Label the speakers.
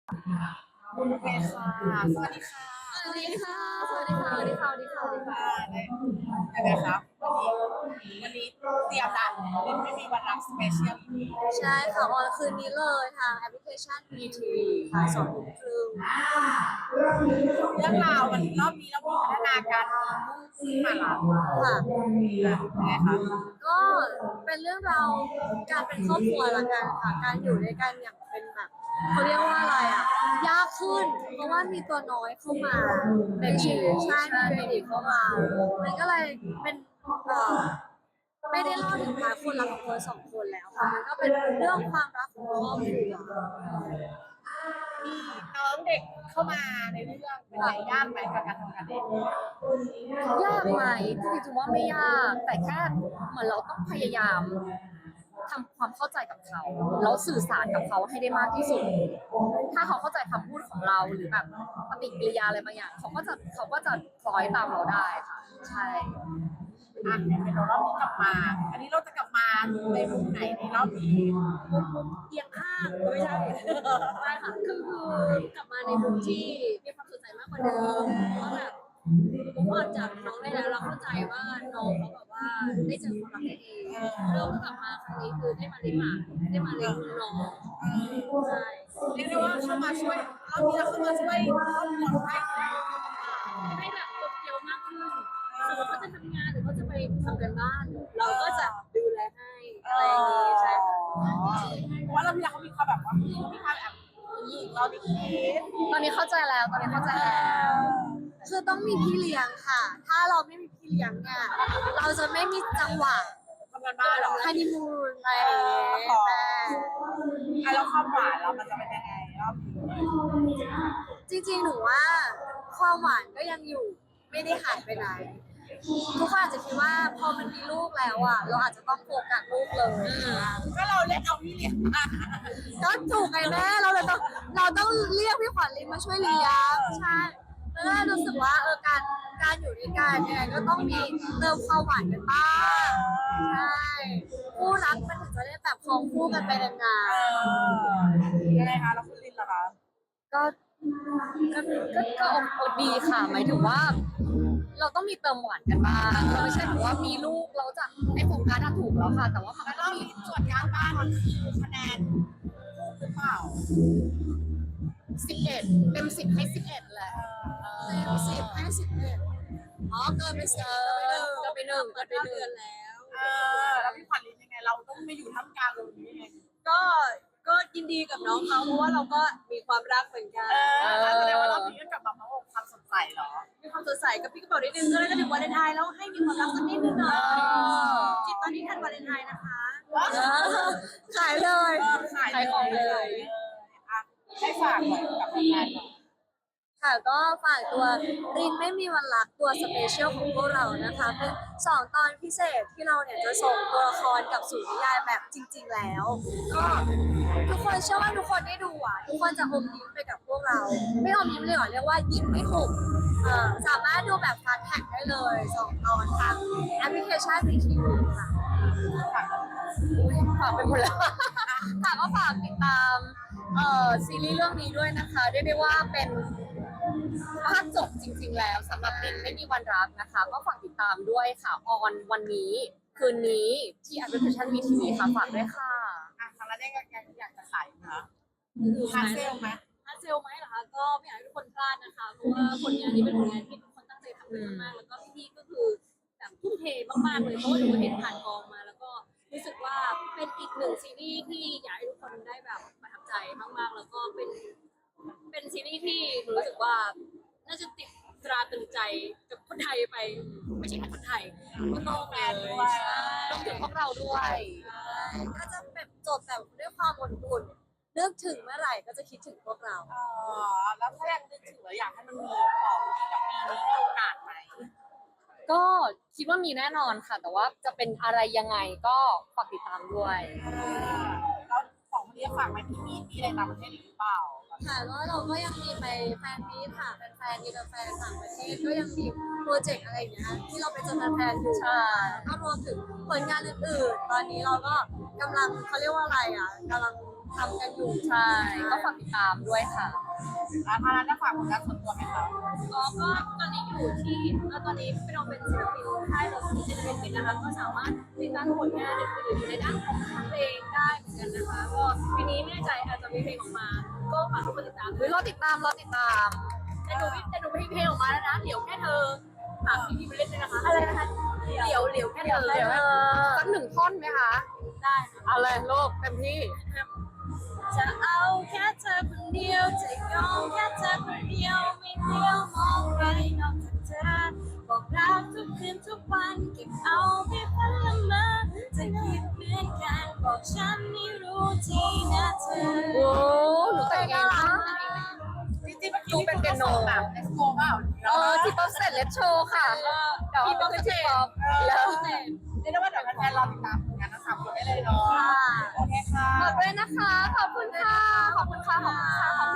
Speaker 1: โอเคค่ะสวัสดีค่ะ
Speaker 2: สวัสดีค่ะ สวัสดีค่ะ สวัสดีค่ะ สวัสดีค่ะ
Speaker 1: ยังไงครับวันนี้เตรียมละเล่นไม่มีวันรักสเปเชียลอีพี
Speaker 2: ใช่ค่ะออนคืนนี้เลยทางแอปพลิเคชัน VTV ค่ะ2 ทุ่มครึ่ง
Speaker 1: เรื่องราวมันรอบนี้เรามีพัฒนาการขึ้นมาละ
Speaker 2: ค่ะ
Speaker 1: ยังไงคะ
Speaker 2: ก็เป็นเรื่องราวการเป็นครอบครัวละกันค่ะ การอยู่ด้วยกันอย่างเป็นแบบเขาเรียกว่าอะไรอ่ะ ยากขึ้น เพราะว่ามีตัวน้อยเข้ามาในชีวิตใช่มีเบบีเข้ามามันก็เลยเป็นเอ่อไม่ได้เล่าถึงพาร์ทคนรักของคน2 คนแล้วค่ะมันก็เป็นเรื่องความรักของครอบครัว
Speaker 1: มีน้องเด็กเข้ามาในเรื่องเป็นไรยากไหมกับการทำงานเด็ก
Speaker 2: ยากไหมจริงๆถือว่าไม่ยากแต่แค่เหมือนเราต้องพยายามทำความเข้าใจกับเขาแล้วสื่อสารกับเขาให้ได้มากที่สุดถ้าเขาเข้าใจคำพูดของเราหรือแบบปฏิกิริยาอะไรบางอย่างเขาก็จะคล้อยตามเราได้ค่ะใช่
Speaker 1: เป็นรอบนี้กลับมาอันนี้เราจะกลับมาในมุมไหนในรอบนี้
Speaker 2: มุมเอียงข้างไม่ใช่ไม่ค่ะคือกลับมาในมุมที่มีความสนใจมากกว่าเดิมเพราะแบบผมออกจากน้องได้แล้วเราเข้าใจว่าน้องเขาแบบว่าได้เจอความรักได้เองเราก็กลับมาครั้งนี้คือได้มาเลี้ยงหลานได้มาเลี้ยงน้องใช่
Speaker 1: เรียกได้ว่าเข้ามาช่วยรอบนี้เราเข้ามาช่วยครอบครัว
Speaker 2: ให้แบบจบเกี่ยวมากขึ้นสมมติเขาจะทำงานหรือเขาจะไปทำกันบ้านเราก็จะดูแลให้อะไรอย่างนี้ใช่ค่ะ
Speaker 1: ว่าเราพี่เขามีความแบบว่ามีความแบบยิงเราดิคิด
Speaker 2: ตอนนี้เข้าใจแล้วตอนนี้เข้าใจแล้วคือต้องมีพี่เลี้ยงค่ะ ถ้าเราไม่มีพี่เลี้ยงเนี่ยเราจะไม่มีจังหวะ
Speaker 1: ทำงานบ้านหรอ
Speaker 2: ฮันนีมูนอะไรอย่างเงี้ย
Speaker 1: แล้วความหวานเรามันจะเป็นยังไงรอบนี้
Speaker 2: จริงๆหนูว่าความหวานก็ยังอยู่ไม่ได้หายไปไหนทุกคนอาจจะคิดว่าพอมันมีลูกแล้วอ่ะเราอาจจะต้องโฟกัสลูกเลย
Speaker 1: ก็เราเล่นเอาพี่เลี้ยงมา
Speaker 2: ก็ถูกไงแม่เราต้องเรียกพี่ขวัญลินมาช่วยเลี้ยงใช่แล้วก็รู้สึกว่าการอยู่ด้วยกันเนี่ยก็ต้องมีเติมความหวานกันบ้างใช่คู่รักมันถึงจะได้แบบครองคู่กันไปนาน
Speaker 1: ยังไงคะแล้วคุณลินล่ะคะ
Speaker 2: ๆก็ดีค่ะหมายถึงว่า เราต้องมีเติมหวานกันบ้างเราไม่ใช่แบบว่ามีลูกเราจะไอ้โฟกัสถูกแล้วค่ะแต่ว่ามันก็
Speaker 1: แล้วร
Speaker 2: ต้องมี
Speaker 1: อบนี้ส่วนการบ้านมันคือคะแนนหรือเปล่า
Speaker 2: 11เต็ม 10ให้11แหละเต็ม 10ให้ 11อ๋อเกินไป1แล้ว
Speaker 1: แล้วพี่ขวัญลินยังไงเราต้องไม่อยู่ท่ามกลางตรงนี้ยังไง
Speaker 2: ก็ก็ยินดีกับน้องเขาเพราะว่าเราก็มีความรักเหมือนกัน
Speaker 1: แสดงว่ารอบนี้ก็กลับมาพร้อมความสดใสเหรอ
Speaker 2: มีความสดใสกับพี่กระเป๋านิดนึงก็เลยก็ถึงวาเลนไทน์แล้วให้มีความรักสักนิดนึงหน่อยจิตตอนนี้ทันวาเลนไทน์นะคะขายเลยขายของเลย
Speaker 1: ให้ฝากหน่อยกับผลงานหน่อย
Speaker 2: ค่ะก็ฝากตัวรินไม่มีวันรักตัวสเปเชียลของพวกเรานะคะเป็น2 ตอนพิเศษที่เราเนี่ยจะส่งตัวละครกับสู่นิยายแบบจริงๆแล้วก็ทุกคนเชื่อว่าทุกคนได้ดูอ่ะทุกคนจะอมยิ้มไปกับพวกเราไม่อมยิ้มเลยหรอเรียกว่ายิ้มไม่หุบสามารถดูแบบฟาสต์แท็กได้เลย2 ตอนทางแอปพลิเคชัน VTV ค่ะฝากไปหมดแล้วค่ะก็ฝากติดตามซีรีส์เรื่องนี้ด้วยนะคะเรียกได้ว่าเป็นภาคจบจริงๆแล้วสำหรับรินไม่มีวันรักนะคะก็ฝากติดตามด้วยค่ะออนวันนี้คืนนี้ที่แอปพลิเคชัน VTV ค่ะฝากด้วยค่ะ
Speaker 1: ทางร้านได้ยังอยากจะขายนะฮาร์ดเซลไหม
Speaker 2: ถ้าเซลไหมเหรอคะก็ไม่อยากให้ทุกคนพลาดนะคะเพราะว่าผลงานนี้เป็นผลงานที่ทุกคนตั้งใจทำกันมากๆแล้วก็พี่ๆก็คือแบบทุ่มเทมากๆเลยเพราะว่าหนูเห็นผ่านกองมาแล้วก็รู้สึกว่าเป็นอีกหนึ่งซีรีส์ที่อยากให้ทุกคนได้แบบประทับใจมากๆแล้วก็เป็นซีรีส์ที่หนูรู้สึกว่าน่าจะติดตราตรึงใจกับคนไทยไปไม่ใช่แค่คนไทยก็ต้องแฟนด้วยรวมถึงพวกเราด้วยก็จะแบบจบแบบด้วยความอบอุ่นนึกถึงเมื่อไหร่ก็จะคิดถึงพวกเรา
Speaker 1: แล้วถ้ายังนึกถึงแล้วอยากให้มันมีต่ออีกกับปีนี้มีโอกาสไหม
Speaker 2: ก็คิดว่ามีแน่นอนค่ะแต่ว่าจะเป็นอะไรยังไงก็ฝากติดตามด้วย
Speaker 1: แล้วของวันนี้ฝากไว้ที่มีอะไรต่างประเทศหรือเปล่า
Speaker 2: ค่ะแล้วเราก็ยังมีไปแฟนมีตค่ะเป็นแฟนมีแฟนต่างประเทศก็ยังมีโปรเจกต์อะไรอย่างเงี้ยที่เราไปเจอแฟนอยู่ก็รวมถึงผลงานอื่นๆตอนนี้เราก็กำลังเขาเรียกว่าอะไรอ่ะกำลังทำกันอยู่ใช่ก็ฝากติดตามด้วยค่ะ
Speaker 1: ทางร้านได้ฝากผลงานส่วนตัวไหมคะ
Speaker 2: ก็ตอนนี้อยู่ที่ตอนนี้เป็นศิลปินค่ายดนตรีเอ็นเตอร์เทนเมนต์นะคะก็สามารถติดตามผลงานอื่นๆในด้านของเพลงได้เหมือนกันนะคะก็ปีนี้ไม่แน่ใจอาจจะมีเพลงออกมา ก็ฝากทุกคนติดตามด้วยรอติดตามแต่หนูไม่มีเพลงออกมาแล้วนะเดี๋ยวแค่เธอฝากพี่ๆไปเล่นด้วยนะคะอะไรนะคะเดี๋ยวแค่เธอ
Speaker 3: สักหนึ่งท่อนไหมคะ
Speaker 2: ได้
Speaker 3: เอาเลยลูกเต็มที่
Speaker 2: จะเอาแค่เธอคนเดียวจะยอมแค่เธอคนเดียวไม่เลี้ยวมองใครนอกจากเธอบอกรักทุกคืนทุกวันเก็บเอาไปฝันละเมอจะคิดเหมือนกันบอกฉันไม่รู้ทีนะเธอ
Speaker 3: โอ้หนูแต่งเองนะ
Speaker 1: จริงๆเมื่อกี้เป็นเปียโนแบบเอ็กซ์โปเปล่า
Speaker 3: ที่ป๊อปเสร็จเลทโชว์ค่ะ เดี๋ยว
Speaker 2: พี่ป๊อป
Speaker 3: ขึ้น
Speaker 2: เสร็
Speaker 3: ที่
Speaker 2: จ
Speaker 3: ป๊อป
Speaker 1: แล้
Speaker 3: แล้ว ว
Speaker 1: เรียกได้ว่าเดี๋ยวแฟนๆรอติดตามผลงานทั้ง3 คนได้เลยเนาะโอเคค่ะ
Speaker 3: ฝากด้วยนะคะ ขอบคุณค่ะ ขอบคุณค่ะ ขอบคุณค่ะ